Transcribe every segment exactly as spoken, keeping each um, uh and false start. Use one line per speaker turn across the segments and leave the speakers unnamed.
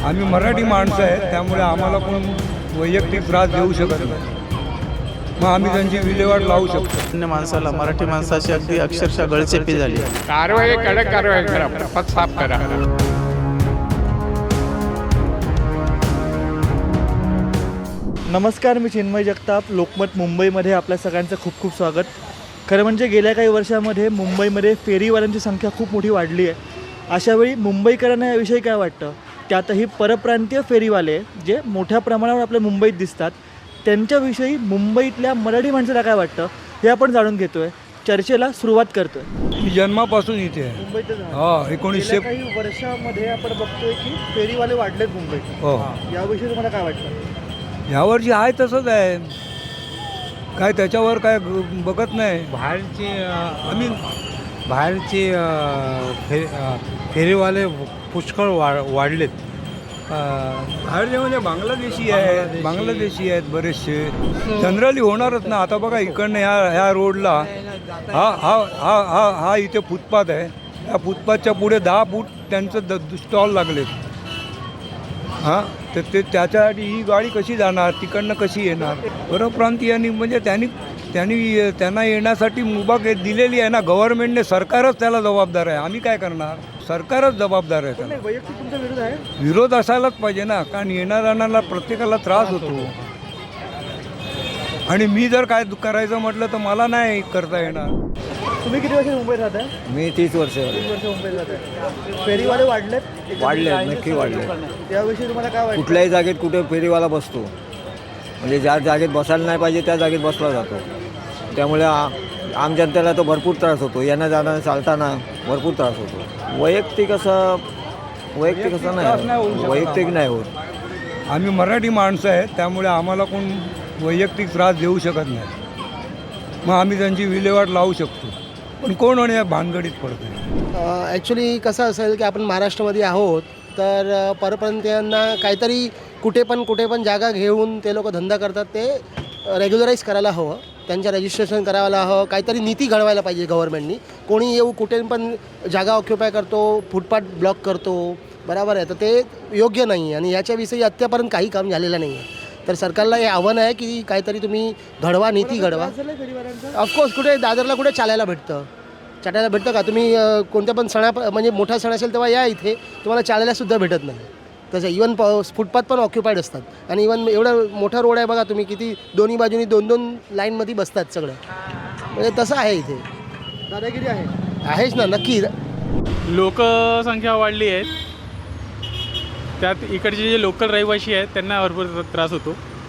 आम्ही मराठी माणसं आहेत, त्यामुळे आम्हाला कोण वैयक्तिक त्रास देऊ शकत नाही. मग आम्ही त्यांची विल्हेवाट लावू शकतो.
अन्य माणसाला मराठी माणसाची अगदी अक्षरशः गळचेपी झाली.
कारवाई कडक कारवाई करा, पद साफ करा.
नमस्कार, मी चिन्मय जगताप. लोकमत मुंबईमध्ये आपल्या सगळ्यांचं खूप खूप स्वागत. खरं म्हणजे गेल्या काही वर्षामध्ये मुंबईमध्ये फेरीवाल्यांची संख्या खूप मोठी वाढली आहे. अशावेळी मुंबईकरांना याविषयी काय वाटतं, त्यातही परप्रांतीय फेरीवाले जे मोठ्या प्रमाणावर आपल्या मुंबईत दिसतात त्यांच्याविषयी मुंबईतल्या मराठी माणसाला काय वाटतं हे आपण जाणून घेतो आहे. चर्चेला सुरुवात करतो आहे.
मी जन्मापासून इथे आहे.
मुंबईतच
हा एकोणीसशे
काही वर्षामध्ये आपण बघतोय की फेरीवाले वाढलेत मुंबईत.
हो,
याविषयी तुम्हाला काय वाटतं?
यावरची आहे तसंच आहे, काय त्याच्यावर काय ग- बघत नाही.
बाहेरचे
आम्ही
बाहेरचे फे फेरीवाले पुष्कळ वा वाढलेत.
बाहेरचे म्हणजे बांगलादेशी आहेत, बांगलादेशी आहेत बरेचसे. जनरली होणारच ना. आता बघा इकडनं ह्या ह्या रोडला हा हा हा हा हा इथे फुटपाथ आहे. या फुटपाथच्या पुढे दहा फूट त्यांचं द स्टॉल लागलेत. हां, तर ते त्याच्यासाठी ही गाडी कशी जाणार, तिकडनं कशी येणार? परप्रांतीयांनी म्हणजे त्यांनी त्यांनी त्यांना येण्यासाठी मुभा के- दिलेली आहे ना गव्हर्नमेंटने. सरकारच त्याला जबाबदार आहे. आम्ही काय करणार? सरकारच जबाबदार आहे त्याला.
वैयक्तिक तुमचा विरोध आहे?
विरोध असायलाच पाहिजे ना, कारण येणाऱ्यांना प्रत्येकाला त्रास होतो. आणि मी जर काय करायचं म्हटलं तर मला नाही करता येणार.
तुम्ही किती वर्ष मुंबईत राहताय?
मी तीस वर्ष
तीस वर्ष मुंबईत राहताय. फेरीवाले वाढलेत?
वाढले, नक्की वाढले.
त्याविषयी तुम्हाला काय वाटतं?
कुठल्याही जागेत कुठे फेरीवाला बसतो, म्हणजे ज्या जागेत बसायला नाही पाहिजे त्या जागेत बसला जातो. त्यामुळे आ आम जनतेला तो भरपूर त्रास होतो. येणं जाणं चालताना भरपूर त्रास होतो. वैयक्तिक असं वैयक्तिक असं नाही, वैयक्तिक नाही होत.
आम्ही मराठी माणसं आहेत, त्यामुळे आम्हाला कोण वैयक्तिक त्रास देऊ शकत नाही. मग आम्ही त्यांची विल्हेवाट लावू शकतो. पण कोण आणि या भानगडीत पडतो?
ॲक्च्युली कसं असेल की आपण महाराष्ट्रामध्ये आहोत, तर अ, परप्रांतीयांना काहीतरी कुठे पण कुठे पण जागा घेऊन ते लोक धंदा करतात. ते रेग्युलराईज करायला हवं, त्यांच्या रजिस्ट्रेशन करायला हवं. काहीतरी नीती घडवायला पाहिजे गव्हर्नमेंटनी. कोणी येऊ कुठे पण जागा ऑक्युपाय करतो, फुटपाथ ब्लॉक करतो, बरोबर आहे. तर ते योग्य नाही आणि याच्याविषयी आत्तापर्यंत काही काम झालेलं नाही आहे. तर सरकारला हे आव्हान आहे की काहीतरी तुम्ही घडवा, नीती घडवा. ऑफकोर्स कुठे दादरला कुठे चालायला भेटतं, चालायला भेटतं का? तुम्ही अ, कोणत्या पण सणा म्हणजे मोठा सण असेल तेव्हा या इथे, तुम्हाला चालायलासुद्धा भेटत नाही. तसं इवन प फुटपाथ पण ऑक्युपाईड असतात. आणि इवन एवढा मोठा रोड आहे बघा तुम्ही, किती दोन्ही बाजूनी दोन दोन लाईनमध्ये बसतात सगळं. म्हणजे तसं आहे इथे.
दादागिरी आहे?
आहेच ना, नक्की.
लोकसंख्या वाढली आहे, त्यात इकडचे जे लोकल रहिवासी आहेत त्यांना भरपूर त्रास होतो.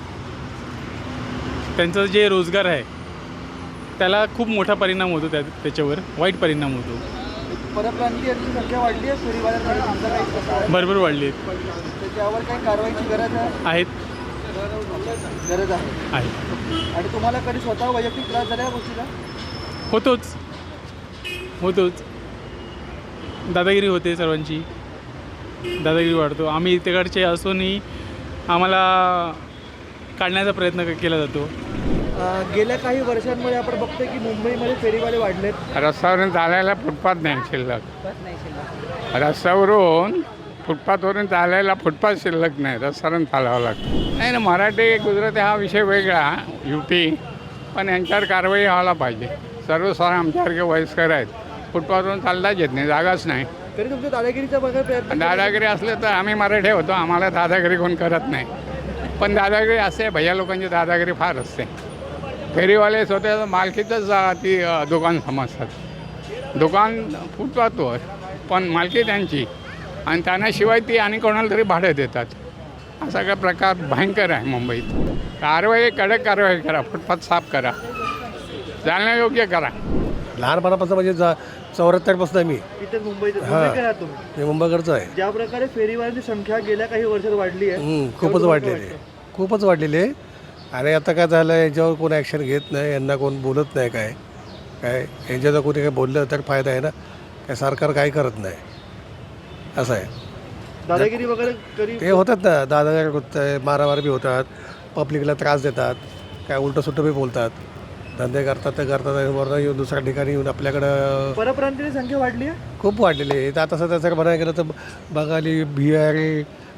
त्यांचं जे रोजगार आहे त्याला खूप मोठा परिणाम होतो, त्या त्याच्यावर वाईट परिणाम होतो.
परप्रांतीयांची संख्या वाढली आहे फेरीवाल्यांमध्ये. तुमचा काही प्रकार आहे?
भरपूर वाढली आहेत.
तर त्यावर काही कारवाईची गरज आहे?
आहेत
गरज आहे.
आहे
आणि तुम्हाला कधी स्वतः वैयक्तिक त्रास झाला या गोष्टीला?
होतोच होतोच दादागिरी होते, सर्वांची दादागिरी वाढतो. आम्ही तिकडचे असूनही आम्हाला काढण्याचा प्रयत्न क- केला जातो.
अं, गेल्या काही वर्षांमध्ये आपण बघतोय की मुंबईमध्ये फेरीवाले वाढलेत.
रस्त्यावरून चालायला फुटपाथ नाही शिल्लक. रस्त्यावरून फुटपाथवरून चालायला फुटपाथ शिल्लक नाही, रस्त्यावरून चालावं लागतं. नाही ना, मराठी गुजराती हा विषय वेगळा, यू पी. पण यांच्यावर कारवाई व्हायला पाहिजे. सर्वसाधारण आमच्यासारखे वयस्कर आहेत, फुटपाथवरून चालताच येत नाही, जागाच नाही.
तरी तुमच्या दादागिरीचा बघा प्रयत्न.
दादागिरी असले तर आम्ही मराठी होतो, आम्हाला दादागिरी कोण करत नाही. पण दादागिरी असते, भैया लोकांची दादागिरी फार असते. फेरीवाले स्वतः मालकीतच अ, ती अ, दुकान समजतात. दुकान फुटपाथवर पण मालकी त्यांची, आणि त्यांना शिवाय ती आणि कोणाला तरी भाडं देतात. हा सगळा प्रकार भयंकर आहे मुंबईत. कारवाई कडक कारवाई करा, फुटपाथ साफ करा, चालण्यायोग्य करा.
लहानपणापासून म्हणजे जा चौऱ्याहत्तरपासून आहे मी.
इथे मुंबईत
हां.
मुंबईकर आहात तुम्ही.
मी मुंबईकडचं आहे.
ज्या प्रकारे फेरीवाल्यांची संख्या गेल्या काही वर्षात वाढली आहे,
हं, खूपच
त्यावर
वाढलेली
तुम्हाला
आहे, खूपच वाढलेली आहे. आणि आता काय झालं आहे, याच्यावर कोण ॲक्शन घेत नाही, यांना कोण बोलत नाही. काय काय यांच्यावर कोणी काय बोललं तर फायदा आहे ना, काय सरकार काही करत नाही, असं आहे.
दादागिरी वगैरे कधी
ते होतात ना, दादागिरी होत आहे, मारामारी बी होतात, पब्लिकला त्रास देतात, काय उलटं सुलटं बी बोलतात, धंदे करतात ते करतात, आणि वरनं येऊन दुसऱ्या ठिकाणी येऊन आपल्याकडं
परप्रांतीय संख्या वाढली आहे.
खूप वाढलेली आहे. आता सध्या जर म्हणायला गेलं तर बंगाली, बिहारी,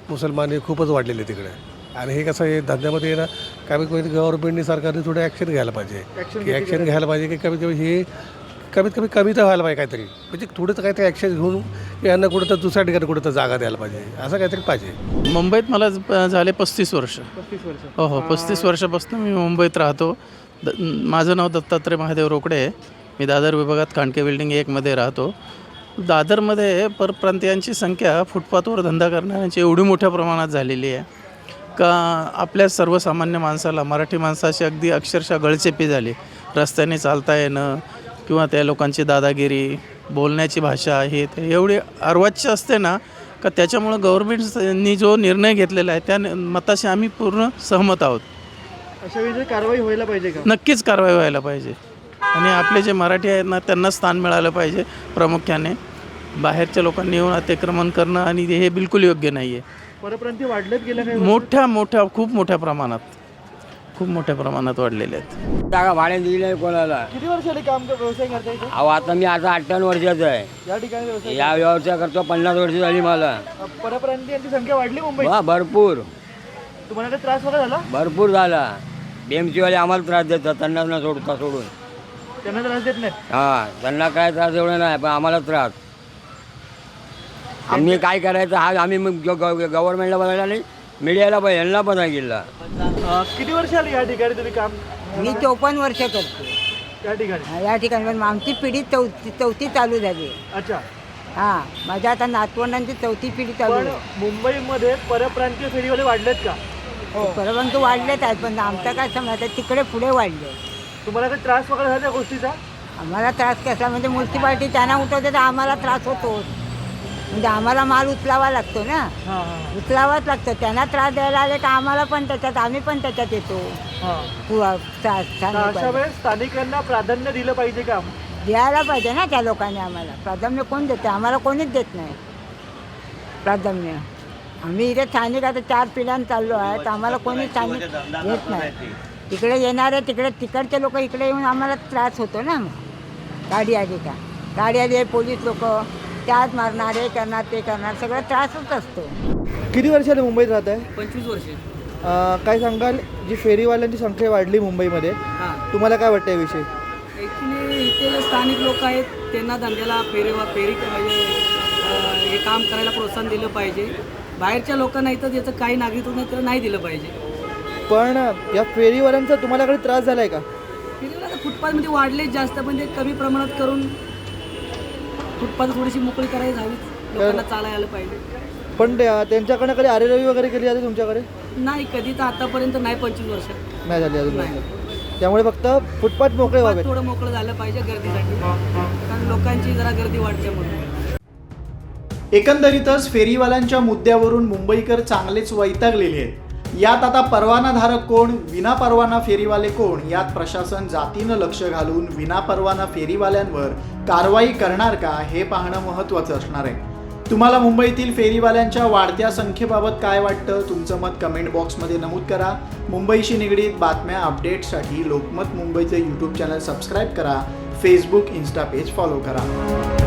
मुसलमान हे खूपच वाढलेले तिकडे. आणि हे कसं आहे धंद्यामध्ये ना कमीत कमी गव्हर्नमेंटने सरकारने थोडं ॲक्शन घ्यायला पाहिजे की ॲक्शन घ्यायला पाहिजे की कमीत कमी हे कमीत कमी कमी तर व्हायला पाहिजे काहीतरी, म्हणजे थोडं तर काहीतरी ॲक्शन घेऊन यांना कुठं तर दुसऱ्या ठिकाणी कुठं तर जागा द्यायला पाहिजे, असं काहीतरी पाहिजे.
मुंबईत मला ज- झाले पस्तीस वर्ष.
पस्तीस वर्ष
हो हो पस्तीस वर्षापासून मी मुंबईत राहतो. द माझं नाव दत्तात्रय महादेव रोकडे आहे. मी दादर विभागात कांडके बिल्डिंग एकमध्ये राहतो. दादरमध्ये परप्रांतीयांची संख्या फुटपाथवर धंदा करणाऱ्यांची एवढी मोठ्या प्रमाणात झालेली आहे का आपल्या सर्वसामान्य माणसाला, मराठी माणसाची अगदी अक्षरशः गळचेपी झाली. रस्त्याने चालता येणं किंवा त्या लोकांची दादागिरी, बोलण्याची भाषा हे ते एवढी अर्वाच्य असते ना का त्याच्यामुळं गव्हर्नमेंटनी जो निर्णय घेतलेला आहे त्या मताशी आम्ही पूर्ण सहमत आहोत.
अशा वेळी कारवाई व्हायला पाहिजे का?
नक्कीच कारवाई व्हायला पाहिजे आणि आपले जे मराठी आहेत ना त्यांना स्थान मिळालं पाहिजे. प्रामुख्याने बाहेरच्या लोकांनी येऊन अतिक्रमण करणं आणि हे बिलकुल योग्य नाही आहे.
परप्रांती वाढलेत गेल्या काही
मोठ्या मोठ्या खूप मोठ्या प्रमाणात खूप मोठ्या प्रमाणात वाढलेले आहेत.
जागा भाड्याने दिली नाही कोणाला.
किती वर्ष आले काम कर- व्यवसाय करता इथे?
अहो आता मी आता अठ्ठावन्न वर्षाचा आहे.
या ठिकाणी व्यवसाय
या व्यवसाय करतो पन्नास वर्ष झाली मला.
परप्रांतीयांची संख्या वाढली मुंबईत.
वा भरपूर
तुम्हाला काही त्रास वगैरे झाला?
भरपूर झाला. बी एम सीवाले आम्हाला त्रास देतात त्यांना न सोडता सोडून.
त्यांना त्रास देत नाही.
हां त्यांना काय त्रास एवढं नाही पण आम्हाला त्रास. आम्ही काय करायचं हा आम्ही मग गव्हर्नमेंटला बघायला नाही, मीडियाला पण यांना पण नाही गेला.
अं, किती वर्ष आली या ठिकाणी तुम्ही काम?
मी चौपन्न वर्ष करते
या ठिकाणी.
या ठिकाणी पण आमची पिढी चौथी चौथी चालू झाली.
अच्छा.
हां माझ्या आता नातवंडांची चौथी पिढी चालू
पण
आहे.
मुंबईमध्ये परप्रांतीय फेरीवाले वाढलेत का?
परंतु वाढलेच आहेत पण आमचं काय समज तिकडे पुढे वाढले.
तुम्हाला काही त्रास वगैरे झाला त्या गोष्टीचा?
आम्हाला त्रास कसा म्हणजे म्युन्सिपाल्टी त्यांना उठवते तर आम्हाला त्रास होतो. म्हणजे आम्हाला माल उचलावा लागतो ना,
हां हां
उचलावाच लागतो. त्यांना त्रास द्यायला आले का आम्हाला पण त्याच्यात आम्ही पण त्याच्यात येतो.
हां.
पुरा- चा-
तर
चांगलं
अशा
पाहिजे.
वेळेस स्थानिकांना प्राधान्य दिलं पाहिजे का?
द्यायला पाहिजे ना त्या लोकांनी आम्हाला. प्राधान्य कोण देते? आम्हाला कोणीच देत नाही प्राधान्य. आम्ही इथे स्थानिक आता चार पिढ्यानं चाललो आहे तर आम्हाला कोणी स्थानिक देत नाही. तिकडे येणारे तिकडे तिकडचे लोक इकडे येऊन आम्हाला त्रास होतो ना. मग गाडी आली का गाडी आली पोलीस लोक त्यात मारणार हे करणार ते करणार सगळं त्रासच असतो.
किती वर्ष आले मुंबईत राहत आहे?
पंचवीस वर्ष.
काय सांगाल, जी फेरीवाल्यांची संख्या वाढली मुंबईमध्ये,
हां
तुम्हाला काय वाटतं याविषयी?
ॲक्च्युली इथे जे स्थानिक लोक आहेत त्यांना धंद्याला फेरी फेरी म्हणजे अं, हे काम करायला प्रोत्साहन दिलं पाहिजे. बाहेरच्या लोकांना इथं ज्याचं काही नागरिकत्व नाही त्याला नाही दिलं पाहिजे.
पण या फेरीवाल्यांचा तुम्हाला काही त्रास झाला आहे का?
फेरीवाला आता फुटपाथमध्ये वाढलेच जास्त पण ते कमी प्रमाणात करून फुटपाथ थोडीशी मोकळी करायला हवी. लोकांना चालायला आलं पाहिजे.
पण त्या- त्यांच्याकडनं कधी आरेरवी वगैरे केली जाते तुमच्याकडे?
नाही कधी तर आतापर्यंत नाही. पंचवीस वर्ष
नाही झाली अजून.
नाही.
त्यामुळे फक्त फुटपाथ मोकळे व्हावे.
थोडं मोकळं झालं पाहिजे गर्दीसाठी कारण लोकांची जरा गर्दी वाढते म्हणून.
एकंदरीतच फेरीवाल्यांच्या मुद्द्यावरून मुंबईकर चांगलेच वैतागलेले आहेत. यात आता परवानाधारक कोण, विनापरवाना फेरीवाले कोण यात प्रशासन जातीनं लक्ष घालून विनापरवाना फेरीवाल्यांवर कारवाई करणार का हे पाहणं महत्त्वाचं असणार आहे. तुम्हाला मुंबईतील फेरीवाल्यांच्या वाढत्या संख्येबाबत काय वाटतं? तुमचं मत कमेंट बॉक्समध्ये नमूद करा. मुंबईशी निगडीत बातम्या अपडेट्ससाठी लोकमत मुंबईचे यूट्यूब चॅनल सबस्क्राईब करा. फेसबुक, इन्स्टा पेज फॉलो करा.